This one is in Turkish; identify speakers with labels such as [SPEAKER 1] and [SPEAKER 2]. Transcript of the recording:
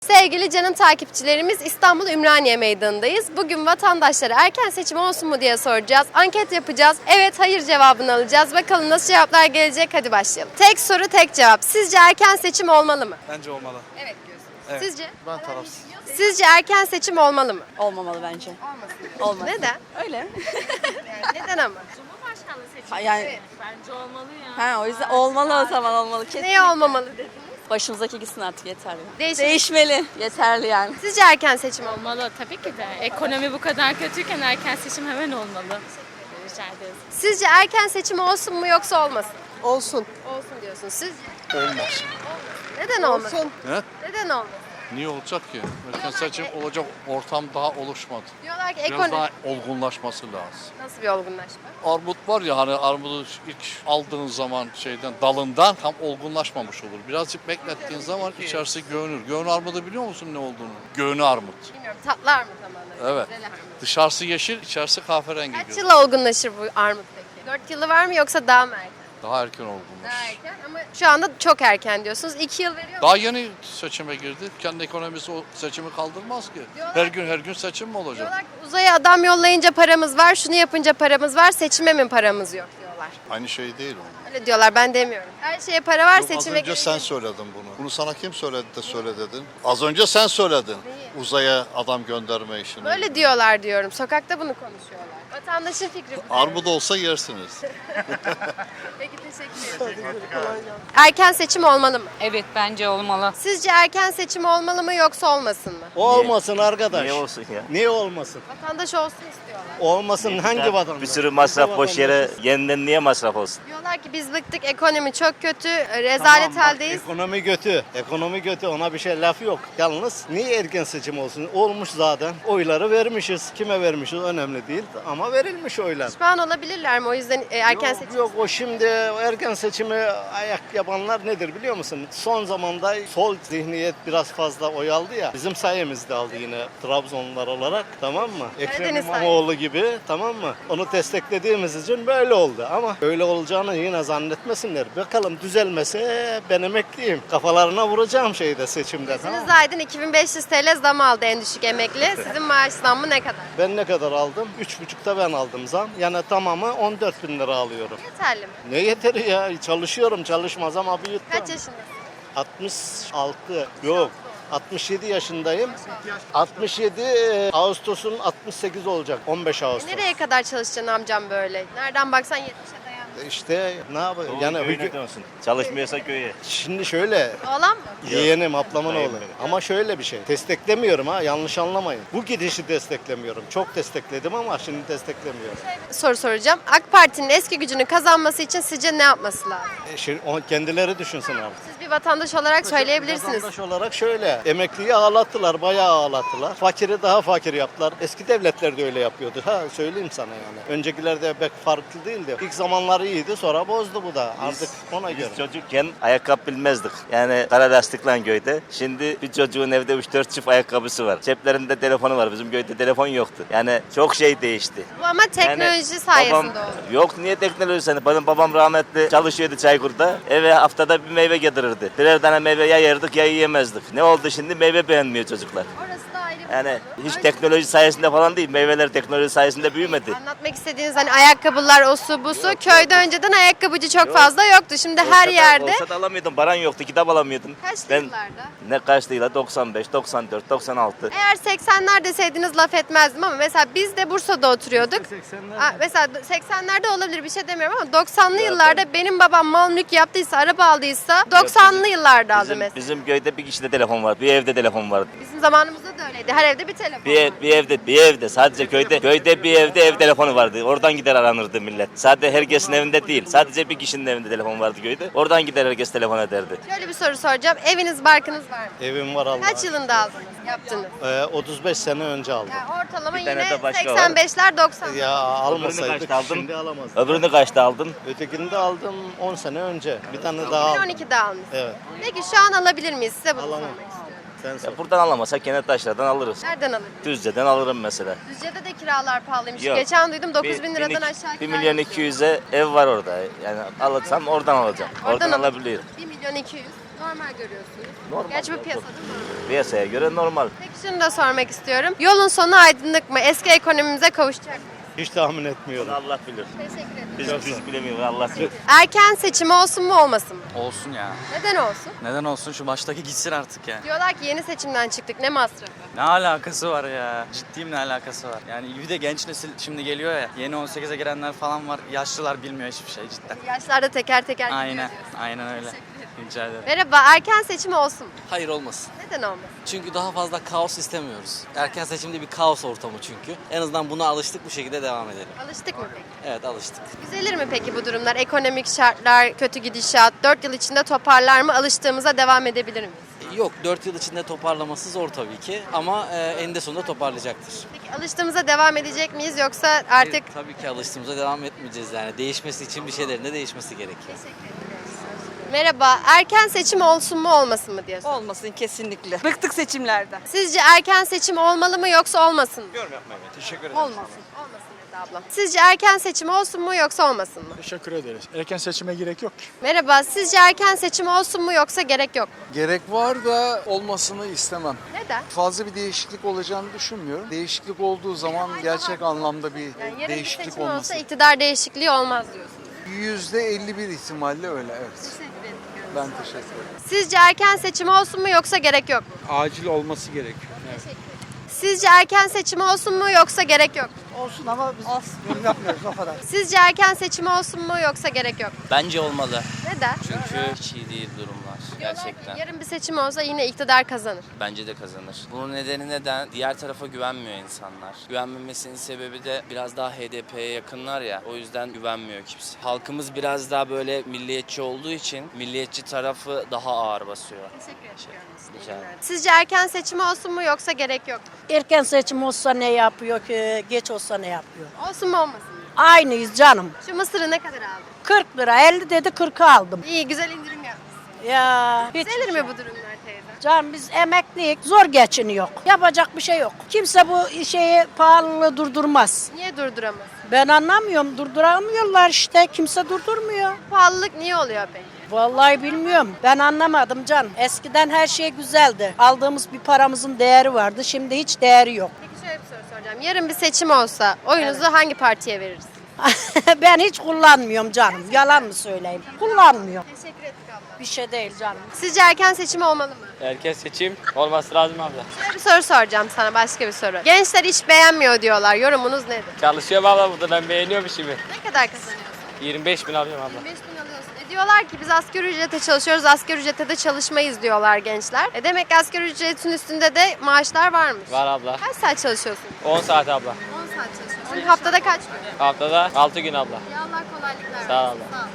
[SPEAKER 1] Sevgili canım takipçilerimiz, İstanbul Ümraniye Meydanı'ndayız. Bugün vatandaşlara erken seçim olsun mu diye soracağız. Anket yapacağız. Evet, hayır cevabını alacağız. Bakalım nasıl cevaplar gelecek. Hadi başlayalım. Tek soru, tek cevap. Sizce erken seçim olmalı mı?
[SPEAKER 2] Bence olmalı.
[SPEAKER 1] Evet diyorsunuz.
[SPEAKER 2] Evet.
[SPEAKER 1] Sizce?
[SPEAKER 2] Ben tarafsız.
[SPEAKER 1] Sizce erken seçim olmalı mı?
[SPEAKER 3] Olmamalı bence.
[SPEAKER 1] Olmaz. Neden?
[SPEAKER 3] Öyle.
[SPEAKER 1] Yani neden ama?
[SPEAKER 4] Cumhurbaşkanlığı seçimi.
[SPEAKER 3] Ha, yani
[SPEAKER 4] Bence olmalı ya.
[SPEAKER 3] o yüzden olmalı o zaman olmalı. Kesin.
[SPEAKER 1] Neye olmamalı dediniz?
[SPEAKER 3] Başımızdaki gitsin artık yeterli.
[SPEAKER 1] Değişmeli.
[SPEAKER 3] Yeterli yani.
[SPEAKER 1] Sizce erken seçim olmalı?
[SPEAKER 4] Olmalı tabii ki de. Ekonomi bu kadar kötüyken erken seçim hemen olmalı. Rica ederiz.
[SPEAKER 1] Sizce erken seçim olsun mu yoksa olmasın?
[SPEAKER 5] Olsun.
[SPEAKER 1] Olsun diyorsunuz. Sizce?
[SPEAKER 2] Olmaz.
[SPEAKER 1] Neden olmasın?
[SPEAKER 5] Olsun.
[SPEAKER 2] Ne?
[SPEAKER 1] Neden olmasın?
[SPEAKER 2] Niye olacak ki? Erken seçim olacak ortam daha oluşmadı.
[SPEAKER 1] Diyorlar ki
[SPEAKER 2] Biraz
[SPEAKER 1] ekonomi...
[SPEAKER 2] daha olgunlaşması lazım.
[SPEAKER 1] Nasıl bir olgunlaşma?
[SPEAKER 2] Armut var ya hani armudu ilk aldığın zaman dalından tam olgunlaşmamış olur. Birazcık beklettiğin zaman içerisi göğünür. Göğün armudu biliyor musun ne olduğunu? Göğünü armut.
[SPEAKER 1] Bilmiyorum. Tatlar mı zamanları?
[SPEAKER 2] Evet.
[SPEAKER 1] Güzel armut.
[SPEAKER 2] Dışarısı yeşil, içerisi kahverengi.
[SPEAKER 1] Kaç
[SPEAKER 2] görünüyor.
[SPEAKER 1] yıla olgunlaşır bu armut peki? 4 yılı var mı yoksa daha mı erken?
[SPEAKER 2] Daha erken
[SPEAKER 1] Daha
[SPEAKER 2] olgunlaşır.
[SPEAKER 1] erken ama şu anda çok erken diyorsunuz. 2 yıl veriyor mu?
[SPEAKER 2] Daha yeni seçime girdi. Kendi ekonomisi o seçimi kaldırmaz ki.
[SPEAKER 1] Diyorlar-
[SPEAKER 2] Her gün seçim mi olacak?
[SPEAKER 1] Diyorlar ki uzaya adam yollayınca paramız var, şunu yapınca paramız var, seçime mi paramız yok diyorlar.
[SPEAKER 6] Aynı şey değil o.
[SPEAKER 1] Öyle diyorlar, ben demiyorum. Her şeye para var,
[SPEAKER 6] Yok, az
[SPEAKER 1] seçime
[SPEAKER 6] önce sen
[SPEAKER 1] gelince-
[SPEAKER 6] söyledin bunu. Bunu sana kim söyledi de söyle dedin? Az önce sen söyledin. Uzaya adam gönderme işini.
[SPEAKER 1] Böyle diyorlar diyorum. Sokakta bunu konuşuyorlar. Vatandaşın fikri bu.
[SPEAKER 6] Armut olsa yersiniz.
[SPEAKER 1] Peki, teşekkür ederim. Erken seçim olmalı mı?
[SPEAKER 7] Evet bence olmalı.
[SPEAKER 1] Sizce erken seçim olmalı mı yoksa olmasın mı?
[SPEAKER 5] Olmasın arkadaş.
[SPEAKER 8] Niye olsun ya?
[SPEAKER 5] Niye olmasın?
[SPEAKER 1] Vatandaş olsun istiyorlar.
[SPEAKER 5] Olmasın hangi vatandaş?
[SPEAKER 8] Bir sürü masraf
[SPEAKER 5] Hangi
[SPEAKER 8] boş yere
[SPEAKER 5] vatandaşız?
[SPEAKER 8] yeniden niye masraf olsun?
[SPEAKER 1] Diyorlar ki biz bıktık, ekonomi çok kötü, rezalet
[SPEAKER 5] Tamam, bak,
[SPEAKER 1] haldeyiz.
[SPEAKER 5] Ekonomi kötü. Ekonomi kötü. Ona bir şey laf yok. Yalnız niye erken seçim olsun? Olmuş zaten. Oyları vermişiz. Kime vermişiz önemli değil. Ama verilmiş oylar.
[SPEAKER 1] Pişman olabilirler mi? O yüzden erken
[SPEAKER 5] Yok,
[SPEAKER 1] seçim.
[SPEAKER 5] yok o şimdi erken seçimi ayak yapanlar nedir biliyor musun? Son zamanda sol zihniyet biraz fazla oy aldı ya. Bizim sayemizde aldı yine Trabzonlular olarak, tamam mı? Ekrem
[SPEAKER 1] Karadeniz
[SPEAKER 5] İmamoğlu gibi, tamam mı? Onu desteklediğimiz için böyle oldu ama öyle olacağını yine zannetmesinler. Bakalım düzelmese ben emekliyim. Kafalarına vuracağım şeyde seçimde, tamam mı?
[SPEAKER 1] Sizin Aydın 2500 TL zam aldı en düşük emekli. Sizin maaş zammı ne kadar?
[SPEAKER 5] Ben ne kadar aldım? 3,5'ta ben aldım zam. Yani tamamı 14 bin lira alıyorum.
[SPEAKER 1] Yeterli mi?
[SPEAKER 5] Ne yeteri ya? Çalışıyorum, çalışmaz ama büyüttüm.
[SPEAKER 1] Kaç yaşındasın?
[SPEAKER 5] 66 yok. 67 yaşındayım. 67 Ağustos'un 68 olacak. 15 Ağustos.
[SPEAKER 1] Nereye kadar çalışacaksın amcam böyle? Nereden baksan 70'e dayanır.
[SPEAKER 5] İşte ne yapayım?
[SPEAKER 8] Yani
[SPEAKER 5] Yani
[SPEAKER 8] köyüne dönsün. Çalışmıyorsa köye.
[SPEAKER 5] şimdi şöyle
[SPEAKER 1] Oğlan mı?
[SPEAKER 5] yeğenim, ablamın
[SPEAKER 8] Hayır,
[SPEAKER 5] oğlu.
[SPEAKER 8] benim.
[SPEAKER 5] Ama şöyle bir şey. Desteklemiyorum ha, yanlış anlamayın. Bu gidişi desteklemiyorum. Çok destekledim ama şimdi desteklemiyorum.
[SPEAKER 1] Soru soracağım. AK Parti'nin eski gücünü kazanması için sizce ne yapması lazım?
[SPEAKER 5] Şimdi kendileri düşünsün abi.
[SPEAKER 1] Siz bir vatandaş olarak söyleyebilirsiniz.
[SPEAKER 5] Vatandaş olarak şöyle, emekliyi ağlattılar, bayağı ağlattılar. Fakiri daha fakir yaptılar. Eski devletler de öyle yapıyordu. Ha söyleyeyim sana yani. Öncekilerde pek farklı değildi. İlk zamanları iyiydi, sonra bozdu bu da. Artık ona göre.
[SPEAKER 8] Biz çocukken ayakkabı bilmezdik. Yani kara lastikle köyde. Şimdi bir çocuğun evde 3-4 çift ayakkabısı var. Ceplerinde telefonu var. Bizim köyde telefon yoktu. Yani çok şey değişti.
[SPEAKER 1] Bu ama teknoloji
[SPEAKER 8] Yani
[SPEAKER 1] sayesinde
[SPEAKER 8] babam-
[SPEAKER 1] oldu.
[SPEAKER 8] Yok niye teknoloji sayesinde? Benim babam rahmetli çalışıyordu Çaykur'da. Eve haftada bir meyve getirirdi. Birer tane meyve ya yerdik ya yiyemezdik. Ne oldu şimdi? Meyve beğenmiyor çocuklar.
[SPEAKER 1] Orası da ayrı bir
[SPEAKER 8] Yani
[SPEAKER 1] konu.
[SPEAKER 8] hiç
[SPEAKER 1] Öyle-
[SPEAKER 8] teknoloji sayesinde falan değil. Meyveler teknoloji sayesinde büyümedi.
[SPEAKER 1] Anlatmak istediğiniz hani ayakkabılar, o su bu su. Köyde önceden ayakkabıcı çok fazla yoktu. Şimdi her yerde.
[SPEAKER 8] Olsa da alamıyordun. Baran yoktu. Kitap alamıyordun.
[SPEAKER 1] Kaçlı yıllarda?
[SPEAKER 8] Ne kaçtı yıla? 95, 94, 96.
[SPEAKER 1] Eğer 80'ler deseydiniz laf etmezdim ama mesela biz de Bursa'da oturuyorduk. Mesela 80'lerde olabilir, bir şey demiyorum ama 90'lı yıllarda benim babam mal mülk yaptıysa, araba aldıysa 90'lı yıllarda aldı mesela.
[SPEAKER 8] Bizim köyde bir kişide telefon var. Bir evde telefon vardı.
[SPEAKER 1] Bizim zamanımızda da öyleydi. Her evde bir telefon vardı.
[SPEAKER 8] Bir evde sadece köyde bir evde ev telefonu vardı. Oradan gider aranırdı millet. Sadece herkesin evinde değil. Sadece bir kişinin evinde telefon vardı köyde. Oradan gider herkes telefon ederdi.
[SPEAKER 1] Şöyle bir soru soracağım. Eviniz, barkınız var mı?
[SPEAKER 5] Evim var Allah.
[SPEAKER 1] Kaç yılında aldınız, yaptınız?
[SPEAKER 5] 35 sene önce aldım.
[SPEAKER 1] Yani ortalama
[SPEAKER 8] Bir tane
[SPEAKER 1] yine
[SPEAKER 8] de başka var.
[SPEAKER 1] 85'ler 90'lar.
[SPEAKER 5] Ya almasaydık
[SPEAKER 8] kaçta aldın?
[SPEAKER 5] şimdi alamazdık.
[SPEAKER 8] Öbürünü kaçta aldın?
[SPEAKER 5] Ötekini de aldım 10 sene önce. Bir tane daha aldım.
[SPEAKER 1] 2012'de almışsınız.
[SPEAKER 5] Evet.
[SPEAKER 1] Peki şu an alabilir miyiz? Size bunu
[SPEAKER 5] Alamam.
[SPEAKER 1] sormak istiyorum.
[SPEAKER 5] Sen sor.
[SPEAKER 8] Ya buradan alamazsak Kenettaşlar'dan alırız.
[SPEAKER 1] Nereden alırız?
[SPEAKER 8] Düzce'den alırım mesela.
[SPEAKER 1] Düzce'de de kiralar pahalıymış.
[SPEAKER 8] Yok.
[SPEAKER 1] Geçen duydum 9 bin liradan aşağı
[SPEAKER 8] 1
[SPEAKER 1] kira
[SPEAKER 8] milyon
[SPEAKER 1] yok.
[SPEAKER 8] 200'e ev var orada. Yani alırsam oradan alacağım. Oradan
[SPEAKER 1] alın.
[SPEAKER 8] alabilirim.
[SPEAKER 1] 1 milyon 200. Normal görüyorsunuz.
[SPEAKER 8] Normal.
[SPEAKER 1] Gerçi bu piyasada normal.
[SPEAKER 8] Piyasaya göre normal.
[SPEAKER 1] Peki şunu da sormak istiyorum. Yolun sonu aydınlık mı? Eski ekonomimize kavuşacak mı?
[SPEAKER 5] Hiç tahmin etmiyorum.
[SPEAKER 8] Allah bilir.
[SPEAKER 1] Teşekkür ederim.
[SPEAKER 8] Biz bilemiyoruz, Allah bilir.
[SPEAKER 1] Erken seçim olsun mu olmasın mı?
[SPEAKER 7] Olsun ya.
[SPEAKER 1] Neden olsun?
[SPEAKER 7] Neden olsun, şu baştaki gitsin artık ya.
[SPEAKER 1] Diyorlar ki yeni seçimden çıktık, ne masrafı?
[SPEAKER 7] Ne alakası var ya? Ciddiyim, ne alakası var? Yani bir de genç nesil şimdi geliyor ya. Yeni 18'e girenler falan var. Yaşlılar bilmiyor hiçbir şey cidden.
[SPEAKER 1] Yaşlarda teker teker gidiyor
[SPEAKER 7] Aynen.
[SPEAKER 1] diyorsun.
[SPEAKER 7] Aynen öyle. Rica ederim.
[SPEAKER 1] Merhaba, erken seçim olsun mu?
[SPEAKER 9] Hayır olmasın.
[SPEAKER 1] Neden olmasın?
[SPEAKER 9] Çünkü daha fazla kaos istemiyoruz. Erken seçimde bir kaos ortamı çünkü. En azından buna alıştık, bu şekilde devam edelim.
[SPEAKER 1] Alıştık mı peki?
[SPEAKER 9] Evet, alıştık.
[SPEAKER 1] Düzelir mi peki bu durumlar? Ekonomik şartlar, kötü gidişat, 4 yıl içinde toparlar mı? Alıştığımıza devam edebilir miyiz?
[SPEAKER 9] Yok, 4 yıl içinde toparlaması zor tabii ki ama eninde sonunda toparlayacaktır.
[SPEAKER 1] Peki alıştığımıza devam edecek miyiz yoksa artık...
[SPEAKER 9] Tabii ki alıştığımıza devam etmeyeceğiz yani. Değişmesi için bir şeylerin de değişmesi gerekiyor.
[SPEAKER 1] Merhaba, erken seçim olsun mu olmasın mı diye soruyorum.
[SPEAKER 3] Olmasın kesinlikle. Bıktık seçimlerden.
[SPEAKER 1] Sizce erken seçim olmalı mı yoksa olmasın mı?
[SPEAKER 3] Olmasın.
[SPEAKER 1] Olmasın dedi ablam. Sizce erken seçim olsun mu yoksa olmasın mı?
[SPEAKER 10] Teşekkür ederiz. Erken seçime gerek yok ki.
[SPEAKER 1] Merhaba, sizce erken seçim olsun mu yoksa gerek yok mu?
[SPEAKER 10] Gerek var da olmasını istemem.
[SPEAKER 1] Neden?
[SPEAKER 10] Fazla bir değişiklik olacağını düşünmüyorum. Değişiklik olduğu zaman gerçek anlamda bir
[SPEAKER 1] Yani yarın bir
[SPEAKER 10] değişiklik
[SPEAKER 1] seçim
[SPEAKER 10] olması.
[SPEAKER 1] olsa iktidar değişikliği olmaz diyorsunuz.
[SPEAKER 10] %51 ihtimalle öyle, evet. Ben teşekkür ederim.
[SPEAKER 1] Sizce erken seçim olsun mu yoksa gerek yok mu?
[SPEAKER 10] Acil olması gerekiyor.
[SPEAKER 1] Sizce erken seçim olsun mu yoksa gerek yok mu?
[SPEAKER 11] Olsun ama biz yorum yapmıyoruz o kadar.
[SPEAKER 1] Sizce erken seçim olsun mu yoksa gerek yok mu?
[SPEAKER 7] Bence olmalı.
[SPEAKER 1] Neden?
[SPEAKER 7] Çünkü hiç iyi değil durumlar.
[SPEAKER 1] Diyorlar ki yarın bir seçim olsa yine iktidar kazanır.
[SPEAKER 7] Bence de kazanır. Bunun nedeni neden? Diğer tarafa güvenmiyor insanlar. Güvenmemesinin sebebi de biraz daha HDP'ye yakınlar ya. O yüzden güvenmiyor kimse. Halkımız biraz daha böyle milliyetçi olduğu için milliyetçi tarafı daha ağır basıyor.
[SPEAKER 1] Teşekkür ederim.
[SPEAKER 7] Rica ederim.
[SPEAKER 1] Sizce erken seçim olsun mu yoksa gerek yok mu?
[SPEAKER 11] Erken seçim olsa ne yapıyor ki, geç olsa ne yapıyor?
[SPEAKER 1] Olsun mu olmasın mı?
[SPEAKER 11] Aynıyız canım.
[SPEAKER 1] Şu mısırı ne kadar aldın?
[SPEAKER 11] 40 lira 50 dedi 40'a aldım.
[SPEAKER 1] İyi, güzel indirim yapmışsın.
[SPEAKER 11] Ya hiç.
[SPEAKER 1] Düzelir mi bu durumlar teyze?
[SPEAKER 11] Canım biz emekliyiz zor geçiniyor. Yapacak bir şey yok. Kimse bu şeyi pahalılığı durdurmaz.
[SPEAKER 1] Niye durduramaz?
[SPEAKER 11] Ben anlamıyorum durduramıyorlar işte kimse durdurmuyor.
[SPEAKER 1] Pahalılık niye oluyor peki?
[SPEAKER 11] Vallahi bilmiyorum. Ben anlamadım canım. Eskiden her şey güzeldi. Aldığımız bir paramızın değeri vardı. Şimdi hiç değeri yok.
[SPEAKER 1] Peki şöyle bir soru soracağım. Yarın bir seçim olsa oyunuzu hangi partiye veririz?
[SPEAKER 11] Ben hiç kullanmıyorum canım. Yalan mı söyleyeyim? Kullanmıyorum.
[SPEAKER 1] Teşekkür ettik abla.
[SPEAKER 11] Bir şey değil canım.
[SPEAKER 1] Sizce erken seçim olmalı mı?
[SPEAKER 7] Erken seçim olması lazım abla.
[SPEAKER 1] Şöyle bir soru soracağım sana, başka bir soru. Gençler iş beğenmiyor diyorlar. Yorumunuz nedir?
[SPEAKER 7] Çalışıyorum abla burada, ben beğeniyorum işimi.
[SPEAKER 1] Ne kadar kazanıyorsun?
[SPEAKER 7] 25 bin alıyorum abla.
[SPEAKER 1] 25 bin alıyorsun. Diyorlar ki biz asgari ücrete çalışıyoruz, asgari ücrete de çalışmayız diyorlar gençler. Demek ki asgari ücretin üstünde de maaşlar varmış.
[SPEAKER 7] Var abla.
[SPEAKER 1] Kaç saat çalışıyorsun?
[SPEAKER 7] 10 saat abla.
[SPEAKER 1] 10 saat çalışıyorsun. Haftada kaç gün?
[SPEAKER 7] Haftada 6 gün abla.
[SPEAKER 1] Ya Allah kolaylıklar versin.
[SPEAKER 7] Sağ ol abla.
[SPEAKER 1] Sağ ol.